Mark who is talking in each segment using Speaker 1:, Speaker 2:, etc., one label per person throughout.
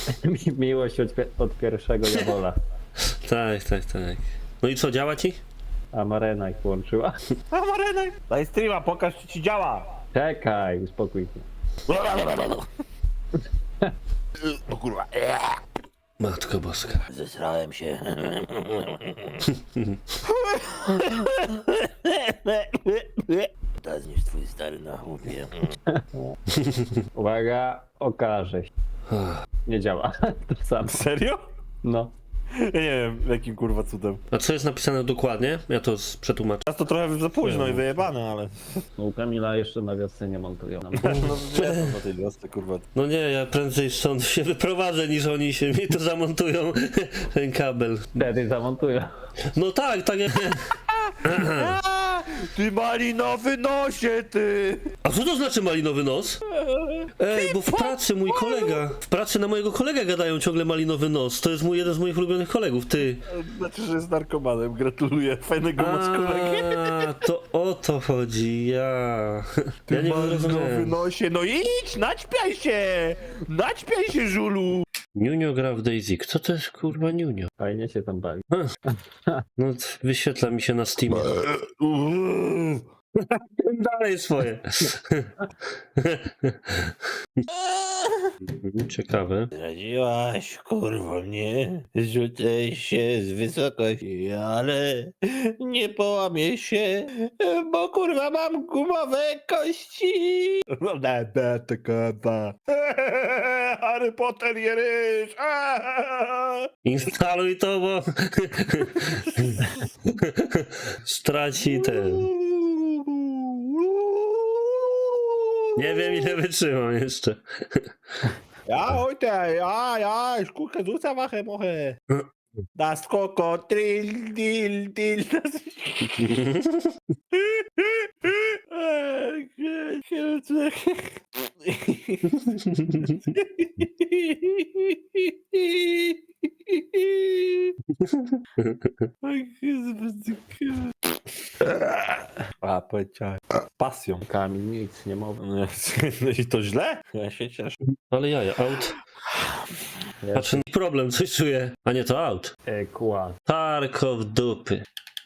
Speaker 1: Miłość od pierwszego jawola.
Speaker 2: Tak. No i co, działa ci?
Speaker 1: A Marena ich włączyła.
Speaker 3: A Marena! Daj streama, pokaż czy ci działa.
Speaker 1: Czekaj, uspokój się.
Speaker 3: O kurwa.
Speaker 2: Matko boska.
Speaker 3: Zesrałem się. To zniż twój stary na chłopie.
Speaker 1: Uwaga, okaże się. Nie działa. To samo.
Speaker 3: Serio?
Speaker 1: No.
Speaker 3: Ja nie wiem jakim kurwa cudem.
Speaker 2: A co jest napisane dokładnie? Ja to przetłumaczę.
Speaker 3: Teraz to trochę za późno i wyjebane, ale...
Speaker 1: No, u Kamila jeszcze na wiosce nie montują.
Speaker 3: No wiedzą na tej wiosce kurwa.
Speaker 2: No nie, ja prędzej stąd się wyprowadzę, niż oni się mi tu zamontują ten kabel.
Speaker 1: Wtedy zamontują.
Speaker 2: No tak jak...
Speaker 3: Ty malinowy nosie, ty!
Speaker 2: A co to znaczy malinowy nos? Ej, bo w pracy mój kolega, w pracy na mojego kolegę gadają ciągle malinowy nos. To jest jeden z moich ulubionych kolegów, ty.
Speaker 3: Znaczy, że jest narkomanem, gratuluję. Fajnego masz kolegę.
Speaker 2: A, to o to chodzi, ja nie
Speaker 3: Malinowy
Speaker 2: rozumiem.
Speaker 3: nosie, no idź, naćpiaj się! Naćpiaj się, żulu!
Speaker 2: Niunio gra w Daisy. Kto to jest kurwa Niunio?
Speaker 1: Fajnie się tam bawi.
Speaker 2: No wyświetla mi się na Steamie. Dalej swoje. Ciekawe.
Speaker 3: Zdradziłaś, kurwa, mnie. Rzucę się z wysokości, ale nie połamię się, bo kurwa mam gumowe kości. Harry Potter je ryż.
Speaker 2: Instaluj to, bo straci ten. Nie wiem ile wytrzymam jeszcze.
Speaker 3: Ja heute, ja, ich gucke Susa mache moche. Das Krokodil, Dil. Das... A, powiedziałem. Pasją.
Speaker 1: Kamil nic nie mówi.
Speaker 3: No i to źle? Ja się cieszę.
Speaker 2: Ale jaja, out. Patrzę, problem, coś czuję. A nie, to out.
Speaker 1: Kład.
Speaker 2: Tarko w dupy.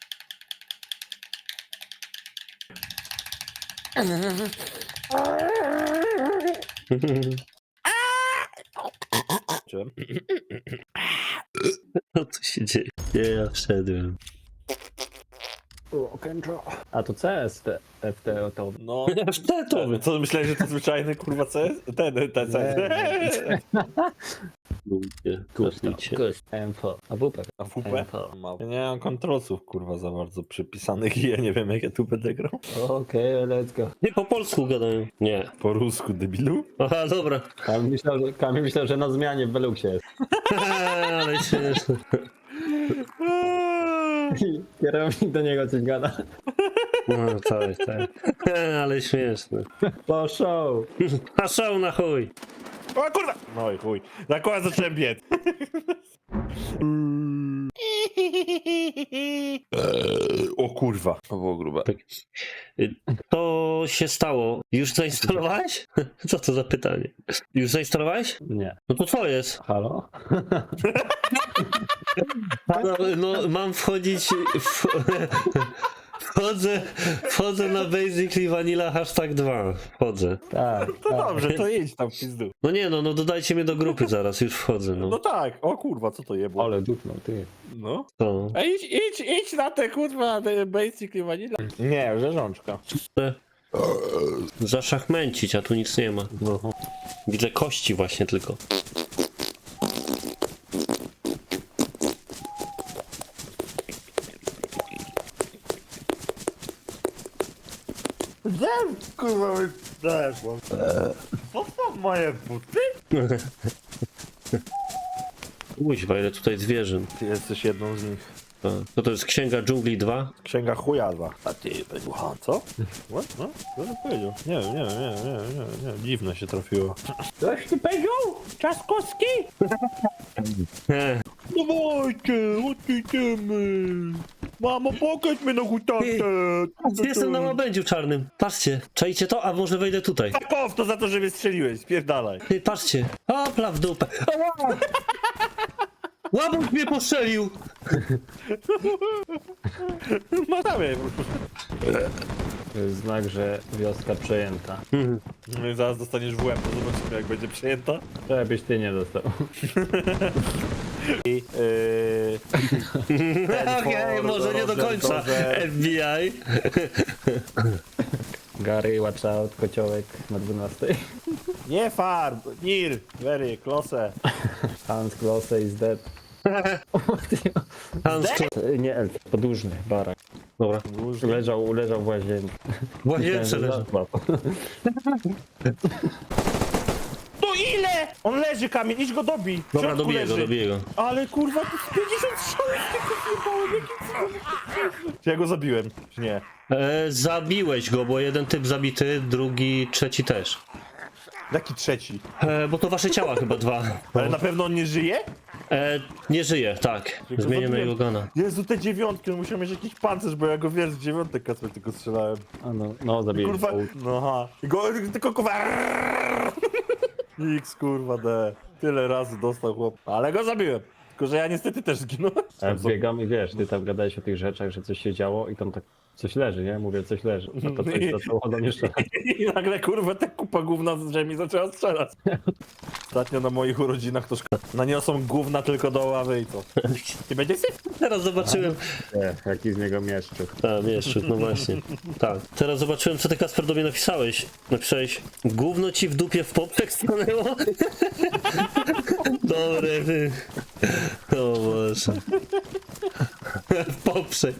Speaker 2: Co tu się dzieje? Nie, ja wszedłem.
Speaker 1: A to CS, FT to...
Speaker 3: No.
Speaker 2: Wszedłem.
Speaker 3: Co myślałeś, że to zwyczajny kurwa CS? Ten CS.
Speaker 2: Kupicie.
Speaker 1: Info. A WP.
Speaker 3: A WP?
Speaker 1: Info.
Speaker 3: Ja nie mam kontrolców kurwa za bardzo przypisanych i ja nie wiem jak ja tu będę grał.
Speaker 1: Okej, let's go.
Speaker 2: Nie, po polsku gadają. Nie.
Speaker 3: Po rusku, debilu?
Speaker 2: Aha, dobra.
Speaker 1: Kamil myślał, że na zmianie w Beluxie jest.
Speaker 2: Ale śmieszne.
Speaker 1: Kierownik do niego coś gada.
Speaker 2: No tak. Ale śmieszne.
Speaker 1: Po show.
Speaker 2: A są na chuj.
Speaker 3: O kurwa! No i chuj. Zakład zacząłem biec. O kurwa. To było grube.
Speaker 2: To się stało. Już zainstalowałeś? Co to za pytanie? Już zainstalowałeś?
Speaker 1: Nie.
Speaker 2: No to co jest?
Speaker 1: Halo?
Speaker 2: No mam wchodzić wchodzę na Basically Vanilla #2. Wchodzę.
Speaker 1: Tak.
Speaker 3: To dobrze, to idź tam w pizdu.
Speaker 2: No nie no dodajcie mnie do grupy zaraz, już wchodzę,
Speaker 3: No
Speaker 2: no.
Speaker 3: tak, o kurwa, co to jebło?
Speaker 1: Ale dupnął, ty.
Speaker 3: No.
Speaker 2: To.
Speaker 3: A idź na te kurwa, te basically vanilla. Nie, rzeżączka.
Speaker 2: Zaszachmęcić, a tu nic nie ma. No. Widzę kości właśnie tylko.
Speaker 3: Kurwa, weszło. Co są moje buty?
Speaker 2: Kuźwa, ile tutaj zwierzyn.
Speaker 3: Ty jesteś jedną z nich.
Speaker 2: Co to jest Księga Dżungli 2?
Speaker 3: Księga chujaza. A ty, Pedłucha, co? What? No? Co to powiedział? Nie wiem. Dziwne się trafiło.
Speaker 1: Coś ty powiedział?
Speaker 3: Czaskowski? Dawajcie, odejdziemy. Mamo, pokaż mnie na hutankę.
Speaker 2: Jestem na łabędziu czarnym. Patrzcie, czajcie to, a może wejdę tutaj.
Speaker 3: Fuck off, to za to, że mnie strzeliłeś. Spierdalaj.
Speaker 2: Ty, patrzcie. Hopla w dupę. Ała! Łabędź mnie postrzelił!
Speaker 3: Matamy.
Speaker 1: To jest znak, że wioska przejęta.
Speaker 3: No i zaraz dostaniesz w łeb, to zobaczymy jak będzie przejęta.
Speaker 1: Żebyś ty nie dostał.
Speaker 3: I,
Speaker 2: Okej, może nie do końca. FBI.
Speaker 1: Gary, watch out, kociołek na 12.
Speaker 3: Nie farb, nir, very, klose.
Speaker 1: Hans Klosse is dead.
Speaker 2: Hans,
Speaker 1: Nie elf, podłużny, barak.
Speaker 2: dobra.
Speaker 1: Leżał w łazience.
Speaker 2: W łazience leży.
Speaker 3: No ile? On leży, kamień, idź go dobij. W
Speaker 2: Dobra,
Speaker 3: środku
Speaker 2: dobiję go,
Speaker 3: leży.
Speaker 2: dobiję go.
Speaker 3: Ale kurwa, to jest 50 strzałów, tylko zjebałem, jakim cudem. Czy ja go zabiłem? Czy nie?
Speaker 2: Zabiłeś go, bo jeden typ zabity, drugi, trzeci też.
Speaker 3: Jaki trzeci?
Speaker 2: Bo to wasze ciała chyba dwa.
Speaker 3: Ale na pewno on nie żyje?
Speaker 2: Nie żyje, tak.
Speaker 3: Tylko
Speaker 2: Zmienię na
Speaker 3: zabiłem.
Speaker 2: jego gana.
Speaker 3: Jezu, te dziewiątki, on musiał mieć jakiś pancerz, bo ja go wiesz, z dziewiątek kasy tylko strzelałem.
Speaker 1: A no zabiję.
Speaker 3: Kurwa, no aha. I go, tylko kurwa. X kurwa D. Tyle razy dostał chłop. Ale go zabiłem. Tylko, że ja niestety też zginąłem.
Speaker 1: Ja biegam i wiesz, ty tam gadałeś o tych rzeczach, że coś się działo i tam tak coś leży, nie? Mówię, coś leży. No to coś zaczęło do mnie strzelać.
Speaker 3: I nagle kurwa ta kupa gówna z ziemi zaczęła strzelać. Ostatnio na moich urodzinach to naniosą gówna tylko do ławy i co? Nie będzie syf?
Speaker 2: Teraz zobaczyłem.
Speaker 1: Jaki z niego mieszczu.
Speaker 2: A, wiesz, no właśnie. Tak. Teraz zobaczyłem, co ty, Kasper, do mnie napisałeś. Napisałeś, gówno ci w dupie w poprzek stanęło? Dobre, ty. O Boże. W poprzek.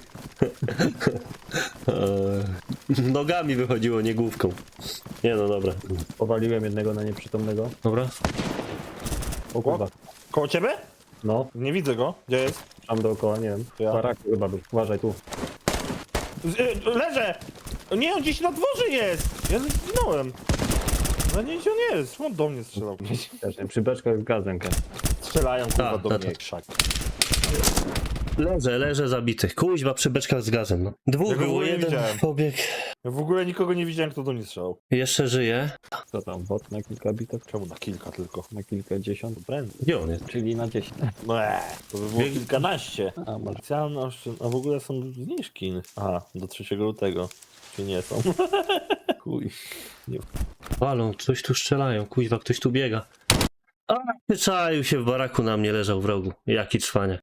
Speaker 2: Nogami wychodziło, nie główką. Nie no, dobra.
Speaker 1: Powaliłem jednego na nieprzytomnego.
Speaker 2: Dobra.
Speaker 1: O kurwa.
Speaker 3: Koło ciebie?
Speaker 1: No,
Speaker 3: Nie widzę go. Gdzie jest?
Speaker 1: tam dookoła, nie wiem.
Speaker 3: Ja.
Speaker 1: Barak chyba był. Uważaj tu.
Speaker 3: Leżę! Nie, on gdzieś na dworze jest! Ja zginąłem. No nie, gdzie on jest? On do mnie strzelał.
Speaker 1: Też nie, przy beczkach z gazem.
Speaker 3: Strzelają kurwa
Speaker 2: Tak,
Speaker 3: do
Speaker 2: tak,
Speaker 3: mnie
Speaker 2: tak.
Speaker 3: jak krzak.
Speaker 2: Leżę zabitych. Kuźba przy beczkach z gazem, no. Dwóch
Speaker 3: Ja go w
Speaker 2: było,
Speaker 3: ogóle nie
Speaker 2: jeden
Speaker 3: widziałem.
Speaker 2: pobieg.
Speaker 3: Ja w ogóle nikogo nie widziałem, kto do mnie strzelał.
Speaker 2: Jeszcze żyje.
Speaker 1: Co tam, bot na kilka bitew?
Speaker 3: Czemu na kilka tylko?
Speaker 1: Na kilkadziesiąt?
Speaker 3: Prędzej.
Speaker 2: Gdzie on jest?
Speaker 1: Czyli na 10.
Speaker 3: No to by było
Speaker 2: Bieg-
Speaker 3: kilkanaście.
Speaker 1: A może.
Speaker 3: Specjalne a w ogóle są zniżki. Aha, do 3 lutego. Czy nie są? Chuj.
Speaker 2: Walą, coś tu strzelają, kuźwa, ktoś tu biega. A, wyczaił się w baraku, na mnie leżał w rogu. Jaki cwania.